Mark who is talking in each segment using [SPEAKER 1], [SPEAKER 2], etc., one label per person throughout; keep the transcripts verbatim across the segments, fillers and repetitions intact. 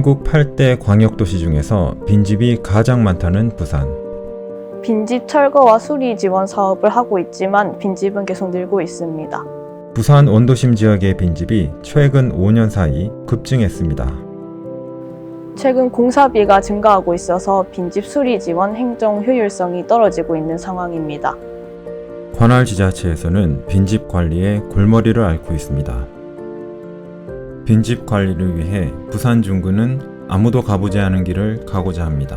[SPEAKER 1] 전국 팔 대 광역도시 중에서 빈집이 가장 많다는 부산.
[SPEAKER 2] 빈집 철거와 수리 지원 사업을 하고 있지만 빈집은 계속 늘고 있습니다.
[SPEAKER 1] 부산 원도심 지역의 빈집이 최근 오 년 사이 급증했습니다.
[SPEAKER 2] 최근 공사비가 증가하고 있어서 빈집 수리 지원 행정 효율성이 떨어지고 있는 상황입니다.
[SPEAKER 1] 관할 지자체에서는 빈집 관리에 골머리를 앓고 있습니다. 빈집 관리를 위해 부산 중구는 아무도 가보지 않은 길을 가고자 합니다.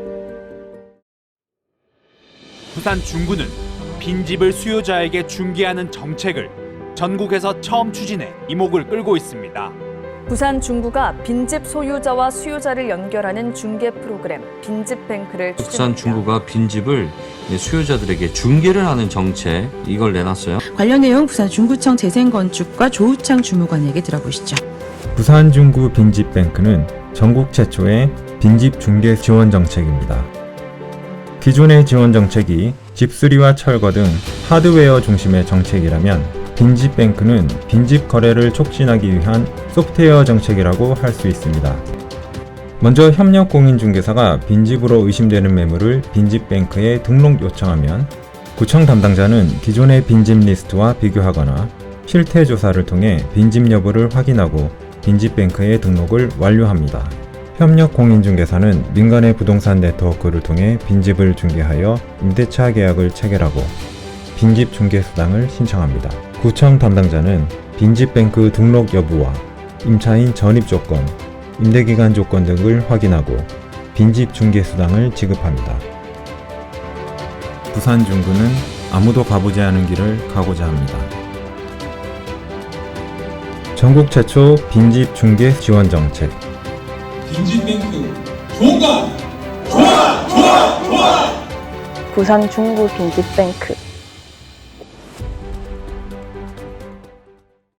[SPEAKER 3] 부산 중구는 빈집을 수요자에게 중개하는 정책을 전국에서 처음 추진해 이목을 끌고 있습니다.
[SPEAKER 4] 부산 중구가 빈집 소유자와 수요자를 연결하는 중개 프로그램 빈집뱅크를 추진합니다.
[SPEAKER 5] 부산 중구가 빈집을 수요자들에게 중개를 하는 정책, 이걸 내놨어요.
[SPEAKER 6] 관련 내용 부산 중구청 재생건축과 조우창 주무관에게 들어보시죠.
[SPEAKER 1] 부산 중구 빈집뱅크는 전국 최초의 빈집 중개 지원 정책입니다. 기존의 지원 정책이 집수리와 철거 등 하드웨어 중심의 정책이라면 빈집뱅크는 빈집 거래를 촉진하기 위한 소프트웨어 정책이라고 할 수 있습니다. 먼저 협력공인중개사가 빈집으로 의심되는 매물을 빈집뱅크에 등록 요청하면 구청 담당자는 기존의 빈집 리스트와 비교하거나 실태 조사를 통해 빈집 여부를 확인하고 빈집뱅크에 등록을 완료합니다. 협력공인중개사는 민간의 부동산 네트워크를 통해 빈집을 중개하여 임대차 계약을 체결하고 빈집 중개 수당을 신청합니다. 구청 담당자는 빈집뱅크 등록 여부와 임차인 전입 조건, 임대기간 조건 등을 확인하고 빈집 중개 수당을 지급합니다. 부산 중구는 아무도 가보지 않은 길을 가고자 합니다. 전국 최초 빈집 중개 지원 정책.
[SPEAKER 7] 빈집뱅크 좋은가? 좋아! 좋아! 좋아!
[SPEAKER 2] 부산 중구 빈집뱅크